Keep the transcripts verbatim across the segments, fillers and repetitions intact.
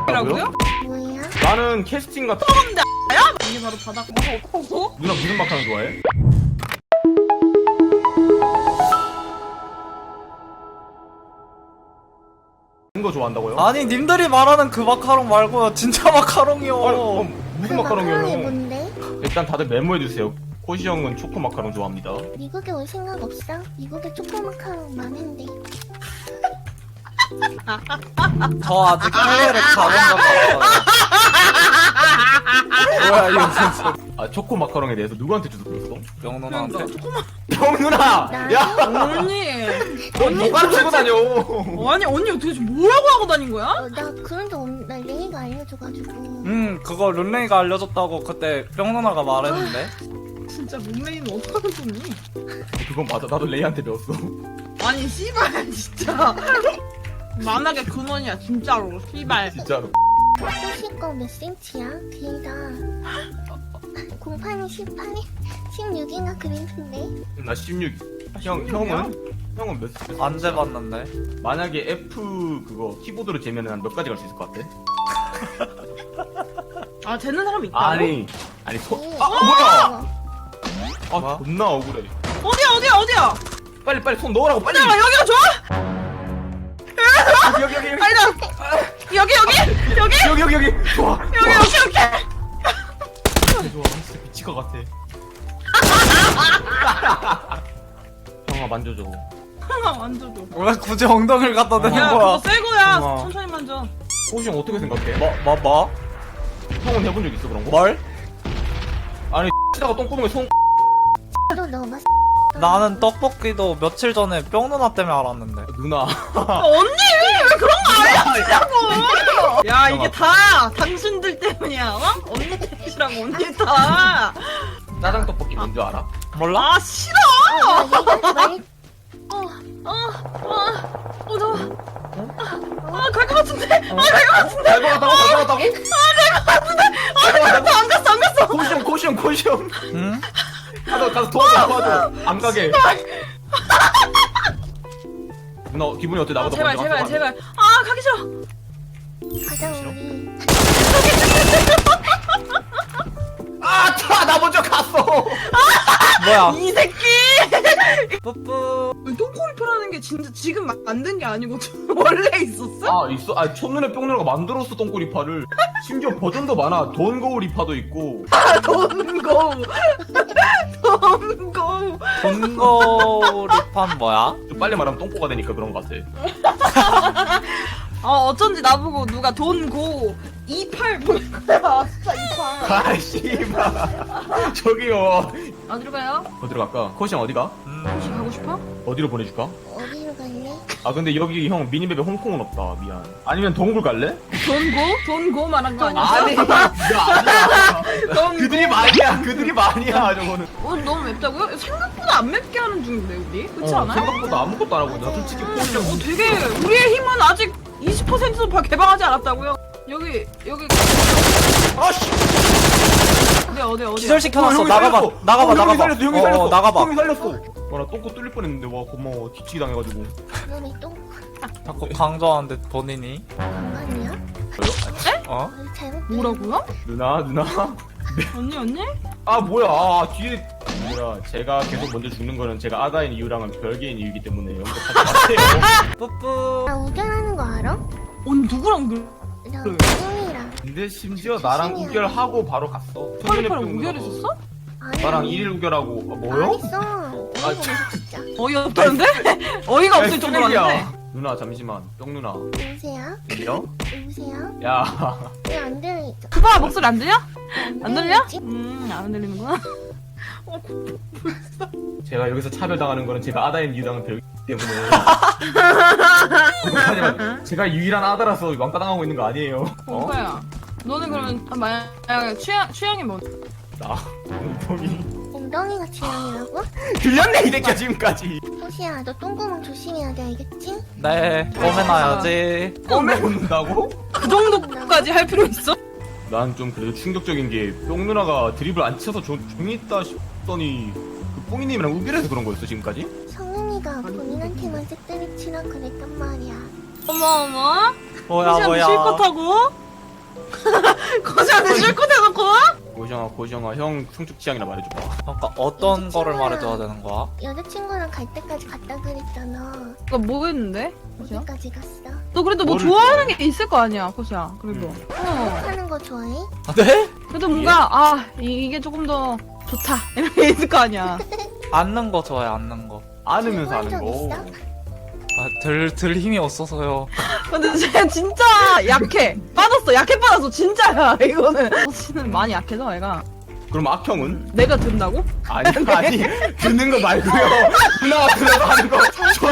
라고요? 뭐야? 나는 캐스팅 같은 근데 야? 이게 바로 바닥 먹고 누나 무슨 마카롱 좋아해? 이거 좋아한다고요? 아니 님들이 말하는 그 마카롱 말고요 진짜 마카롱이요. 어, 어, 무슨 그 마카롱이 마카롱이에요? 뭔데? 일단 다들 메모해주세요. 코시 형은 초코 마카롱 좋아합니다. 미국에 올 생각 없어? 미국에 초코 마카롱 많은데. 저 아직 해외를 가본 적 없어요. 뭐야 이거 진짜. 아 초코 마카롱에 대해서 누구한테 주소 들었어? 영 누나한테? 형 누나! 나? 야! 언니 너 누가 들고 다녀? 아니 언니 도대체 뭐라고 하고 다닌 거야? 어, 나 그런 적 없, 나 레이가 알려줘가지고. 음 그거 룬레이가 알려줬다고 그때 뿅 누나가 말했는데. 진짜 룸메이는 어떡하는 놈이? 그건 맞아. 나도 레이한테 배웠어. 아니 씨발 진짜 만악의 근원이야 진짜로 씨발. 진짜로. 호시 거몇 센치야? 길다. 공판이 십팔에 십육인가 그랬는데. 나 십육. 형, 형은? 형은 몇 살? 안 재봤는데. 만약에 F 그거 키보드로 재면은 한 몇 가지 갈 수 있을 것 같아? 아 되는 사람 있다고? 아니, 아니, 소, 네. 아, 뭐야! 어, 아, 뭐? 존나 억울해. 어디야 어디야 어디야? 빨리, 빨리 손 넣으라고, 빨리! 잠깐만 여기가 좋아? 여기, 여기, 여기, 여기. 아니다 여기 여기 여기 여기, 여기, 여기. 좋아. 여기 여기 여기 좋아. 진짜 미칠 것 같아. 형아, 만져줘. 하나 만져줘. 왜 굳이 엉덩이를 갖다 대는 야 거야? 그거 새 거야. 어머. 천천히 만져. 호시 형 어떻게 생각해? 뭐, 뭐, 뭐? 형은 해본 적 있어, 그런 거? 뭘? 아니, 치다가 똥구멍에 손 너 너무 나는 떡볶이도 며칠 전에 뿅 누나 때문에 알았는데. 누나. 아, 언니 왜 그런 거 알려주냐고. 야 이게 다 당신들 때문이야. 어? 언니 때문이라고 언니 다. 짜장 떡볶이 뭔지 알아? 몰라? 아 싫어. 야, 얘가 말 어어어어 너. 아갈 것 같은데. 아갈 것 같은데. 갈 것 같다고? 갈 것 같다고? 안 갔어 안 갔어 안 갔어. 코시형, 코시형, 코시형. 응? 가서, 가서 도와줘, 도와줘. 안 가게. 누나, 기분이 어때? 아, 나보다 제발 먼저 제발 갔어, 제발. 아 가기 싫어. 가자 우리. 아, 차! 나 먼저 갔어! 뭐야? 이 새끼. 뿌뿌. 똥꼬리표라는 게 진짜 지금 마- 만든 게 아니고 원래 있었어? 아, 있어? 아, 첫눈에 뿅누나가 만들었어, 똥꼬리파를. 심지어 버전도 많아. 돈거우리파도 있고. 돈고 돈고. 돈거리판 뭐야? 좀 빨리 말하면 똥꼬가 되니까 그런 것 같아. 어 어쩐지 나보고 누가 돈고 이팔 보낸 거야. 진짜 이팔. 아, 씨발. 저기요. 어디로 가요? 어디로 갈까? 코시형 어디가? 혹시 가고 싶어? 어디로 보내줄까? 어디로 갈래? 아, 근데 여기 형 미니맵에 홍콩은 없다. 미안. 아니면 동굴 갈래? 돈고? 돈고 말한 거 아니야? 아니, 그거 아니야. 돈고. 그들이 말이야. 그들이 말이야, 저거는. 어, 너무 맵다고요? 생각보다 안 맵게 하는 중인데 우리? 그렇지 어, 않아요? 생각보다 아무것도 안 하고. 나 솔직히 코시형. 어, 되게 우리의 힘은 아직 이십 퍼센트도 개방하지 않았다고요? 여기 여기 아, 씨! 어디 어디 어디? 기절시켜놨어. 형이 나가봐. 살렸어. 나가봐. 어, 나가봐. 형이 살렸어. 형이 어, 살렸어. 어, 나가봐. 형이 살렸어. 와, 나 똥꼬 뚫릴 뻔했는데. 와, 고마워. 뒤치기 당해가지고. 너네 똥 자꾸 강조하는데 본인이. 건강이야? 어? 어디 잘못 뭐라고요? 누나, 누나. 언니 언니? 아, 뭐야. 아, 뒤에. 뭐야. 제가 계속 먼저 죽는 거는 제가 아다인 이유랑은 별개인 이유이기 때문에 언급하지 마세요. 뿌뿌. 나 우결하는 거 알아? 언니 누구랑 그 나 그래. 우결이랑. 근데 심지어 나랑 우결하고 바로 갔어. 파리파리 우결했었어? 아니, 나랑 아니. 일일 우결하고. 아, 안 뭐요? 했어. 아, 어이가 없어 진짜. 어이없다는데? 어이가 없을 정도로 왔는데? 누나, 잠시만. 뿅 누나. 여보세요? 들려? 여보세요? 야. 왜 안 들리죠? 그봐 목소리 안 들려? 안 들려? 들리지? 음안 들리는구나. 어, 제가 여기서 차별당하는 거는 제가 아다인 이유랑은 별개이기 때문에. 하지만 제가 유일한 아다라서 왕따당하고 있는 거 아니에요. 어? 오빠야. 너는 그러면 아, 만약에 취향 취향이 뭐? 나. 엉덩이. 엉덩이가 취향이라고? 들렸네, 이 새끼야, 지금까지. 호시야 너 똥구멍 조심해야 돼 알겠지? 네. 꼬매놔야지. 껌에 웃는다고? 그 정도까지 할 필요 있어? 난 좀 그래도 충격적인 게 뿅 누나가 드립을 안 쳐서 조, 종이 있다 싶더니 그 뽕이님이랑 우결해서 그런 거였어 지금까지? 성은이가 본인한테만 쇳때리 치라 그랬단 말이야. 어머 어머. 뭐야, 호시한테 뭐야. 실컷하고? 코시한테 실컷 해놓고 와? 고시영아 고시영아 형 성적 취향이나 말해줘봐. 그러니까 어떤 거를 친구야. 말해줘야 되는 거야? 여자친구랑 갈 때까지 갔다 그랬잖아. 그니까 뭐 했는데? 코시야? 어디까지 갔어? 너 그래도 뭐 뭐를 좋아하는 좋아해? 게 있을 거 아니야 코시야 그래도 음. 어 하는 거 좋아해? 아, 네? 그래도 뭔가 아 이, 이게 조금 더 좋다 이런 게 있을 거 아니야 앉는 거 좋아해, 앉는 거. 안으면서 해본 하는 적 거. 있어? 아, 들, 들 힘이 없어서요. 근데 쟤 진짜 약해 빠졌어 약해 빠졌어 진짜야 이거는 코시는 많이 약해서 애가 그럼 악형은? 내가 든다고? 아니 아니 듣는 거 말고요. 누나가 들어서 하는 거.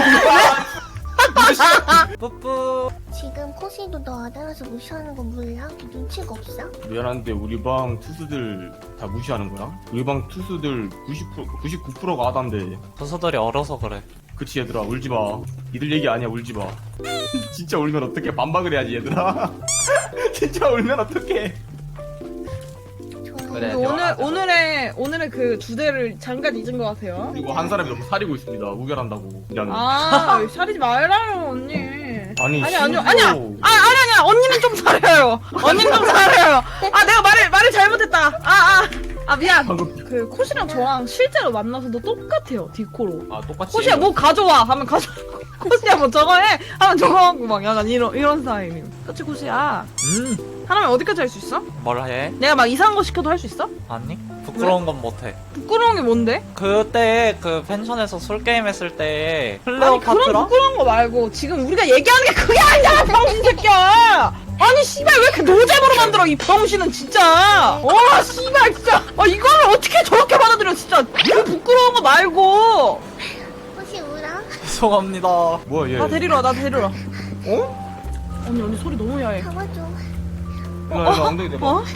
뿌뿌. 지금 코시도 너 아다라서 무시하는 거 몰라? 눈치가 없어? 미안한데 우리 방 투수들 다 무시하는 거야? 우리 방 투수들 구십 퍼센트 구십구 퍼센트가 아단데. 부서들이 어려서 그래. 그치 얘들아 울지 마. 니들 얘기 아니야 울지 마. 진짜 울면 어떡해 반박을 해야지 얘들아. 진짜 울면 어떡해. 좋아해. 그래. 근데 오늘 오늘의 오늘의 그 주제를 잠깐 잊은 것 같아요. 그리고 한 사람이 너무 사리고 있습니다. 우결한다고. 미안해. 아 사리지 말라요 언니. 아니, 아니 아니요 심지어- 아니야. 아 아니 아니야 언니는 좀 잘해요. 언니는 좀 잘해요. 아 내가 말을 말을 잘못했다. 아아 아, 아, 미안. 방금 그 코시랑 저랑 실제로 만나서도 똑같아요 디코로. 아 똑같이. 코시야 뭐 가져와 하면 가져. 코시야 뭐 저거 해 하면 저거 하고 막 약간 이런 이런 스타일이에요. 그치 코시야. 음. 하나면 어디까지 할 수 있어? 뭘 해? 내가 막 이상한 거 시켜도 할 수 있어? 아니? 부끄러운 건 못해. 부끄러운 게 뭔데? 그때 그 펜션에서 술게임 했을 때 아니 그런 클레오파트라? 부끄러운 거 말고 지금 우리가 얘기하는 게 그게 아니야 병신 새끼야. 아니 씨발 왜 이렇게 노잼으로 만들어 이 병신은 진짜. 와 씨발 진짜. 아 이거를 어떻게 저렇게 받아들여 진짜. 그 부끄러운 거 말고. 코시 울어? 죄송합니다. 뭐야 얘. 나 데리러 와 나 데리러 와. 어? 언니 언니 소리 너무 야해. 잡아줘. 누나 이거 엉덩이 대봐. 어?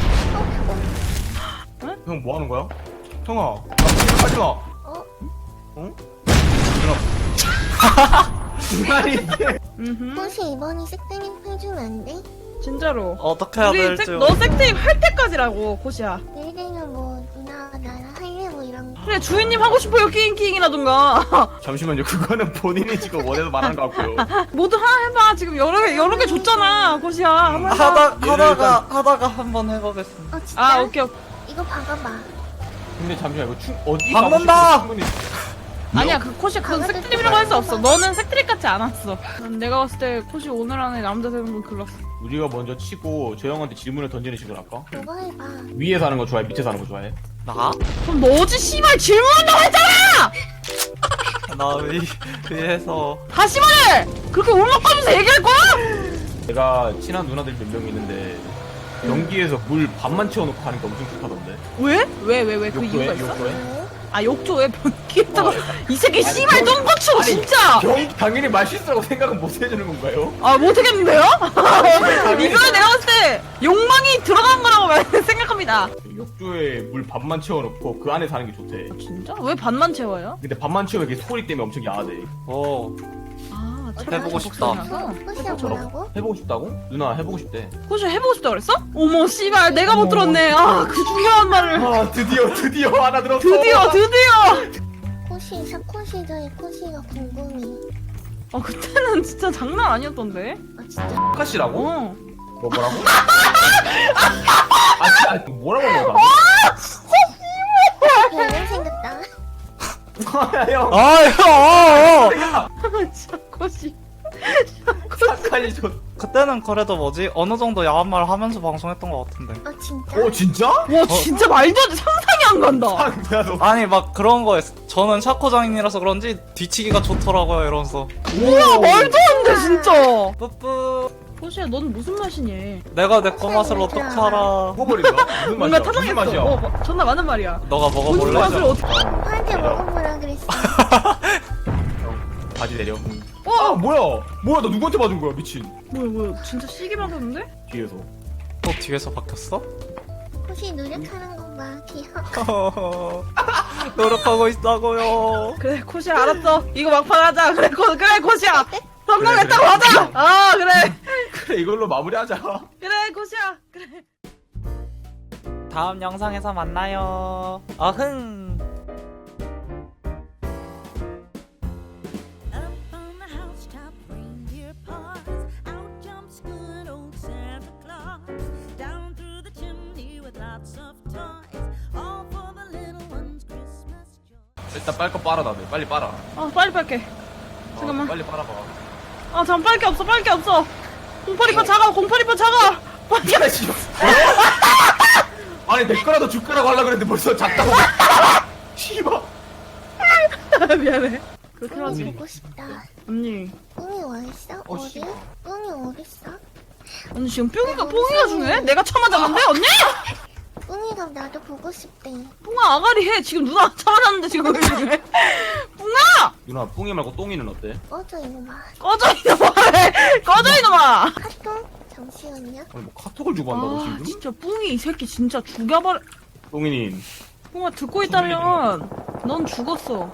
형 뭐 하는 거야? 형아. 하지 마. 어? 어? 누나. 누나이 이게. 음. 코시 이번이 색땡이 해주면 안 돼? 진짜로. 어떻게 해야 우리 될지. 색, 너 색테임 할 때까지라고 코시야. 내일 되면 뭐 누나가 나랑 할래 뭐 이런 거. 그래 주인님 하고 싶어요 끼잉끼잉이라든가. 잠시만요. 그거는 본인이 지금 원해서 말하는 것 같고요. 모두 하나 해봐 지금 여러 개 여러 개 줬잖아 코시야. 한번 해봐. 하다, 얘를 하다가, 하다가 한번 해보겠습니다. 어 진짜? 아 오케이 오케이. 이거 박아봐. 근데 잠시만 이거 충 어디 박는다! 가고 싶은지 충분히. 아니야 그 코시 그건 강아지 색트립이라고 할 수 없어. 너는 색트립 같지 않았어. 난 내가 봤을 때 코시 오늘 안에 남자 되는 건 글렀어. 우리가 먼저 치고 저 형한테 질문을 던지는 식으로 할까? 너가 해봐. 위에 사는 거 좋아해? 밑에 사는 거 좋아해? 나? 그럼 너지 씨발 질문한다고 했잖아. 나 위, 위에서. 다시 말해. 그렇게 울먹거리면서 얘기할 거야? 내가 친한 누나들 몇 명 있는데 경기에서 물 반만 채워놓고 하는 게 엄청 좋다던데. 왜? 왜 왜 왜 그 욕조에? 이유가 있어? 욕조에? 왜? 아 욕조에 변기에다가 어, 이 새끼 아니, 씨발 경- 똥꼬치고 아니, 진짜. 경 당연히 맛있다고 생각은 못 해주는 건가요? 아 못하겠는데요? 이거는 내가 봤을 때 욕망이 들어간 거라고 말- 생각합니다. 욕조에 물 반만 채워놓고 그 안에 사는 게 좋대. 진짜? 왜 반만 채워요? 근데 반만 채우면 이게 소리 때문에 엄청 야하대. 오. 아 해보고 싶다. 어? 코시야 뭐라고? 해보고 싶다고? 누나 해보고 싶대. 혹시 해보고 싶다 그랬어? 어머 씨발 내가 못 들었네. 아 그 중요한 말을. 아 드디어 드디어 하나 들었어. 드디어 드디어. 코시 샤코 시절의 코시가 궁금해. 아 그때는 진짜 장난 아니었던데. 아 진짜? 카시라고? 어. 뭐 뭐라고? 아 진짜 뭐라고 한 거야? 별명 생겼다. 형 아, 형! 진짜 코시. 착하니 좋. 그때는 그래도 뭐지? 어느 정도 야한 말 하면서 방송했던 것 같은데. 아 진짜? 오 진짜? 와 진짜 말도 안 돼. 상상이 안 간다. 야 너. 아니, 막 그런 거였어. 저는 샤코장인이라서 그런지 뒤치기가 좋더라고요, 이러면서. 뭐야 말도 안 돼 진짜. 뿌뿌. 코시야 넌 무슨 맛이니? 내가 내 거 맛을 어떻게 알아? 먹어버린다. 무슨 뭔가 맛이야? 무슨 타당했어. 맛이야? 어 뭐, 존나 많은 말이야. 너가 무슨 먹어볼래? 맛을 어떻게? 오빠한테 먹어보라 그랬어. 바지 내려. 아 어 뭐야? 뭐야 너 누구한테 맞은 거야 미친? 뭐야 뭐야 진짜 시기 맞았는데? 뒤에서. 또 뒤에서 바뀌었어? 코시 노력하는 거 봐. 귀여워. 노력하고 있다고요. 그래 코시야 알았어. 이거 막판 하자. 그래 코 그래 코시야. 성공했다고 하자. 아 그래 그래 이걸로 마무리하자. 그래 코시야 그래. 다음 영상에서 만나요. 어흥. Up on the housetop, reindeer paws. Out jumps good old Santa Claus. 일단 빨 거 빨아 다들 빨리 빨아. 아 빨리 빨게. 어, 잠깐만. 빨리 빨아봐. 아 잠깐 빨게 없어 빨게 없어. 공팔이파 작아 공팔이파 작아. 빨리. 야 씨. 아니 내 거라도 줄 거라고 하려 그랬는데 벌써 작다고. 씨발. 미안해. 그렇게 뿡이 하지. 보고 싶다. 언니. 뿡이 어딨어? 어, 어디? 씨발. 뿡이 어딨어? 언니 지금 뿅이가 뽕이가 중요해? 내가 참아잡는데 언니? 뿡이가 나도 보고 싶대. 뿡아 아가리 해. 지금 누나 참아잡는데 지금 왜 중요해? 뿡아! 누나 뿡이 말고 똥이는 어때? 꺼져 이놈아. 꺼져 이놈아. 꺼져 이놈아. 카톡? 잠시만요. 아니 뭐 카톡을 주고 한다고 아 지금? 진짜 뿡이 이 새끼 진짜 죽여버려. 똥이님 뿡아 듣고 있다면 넌 죽었어.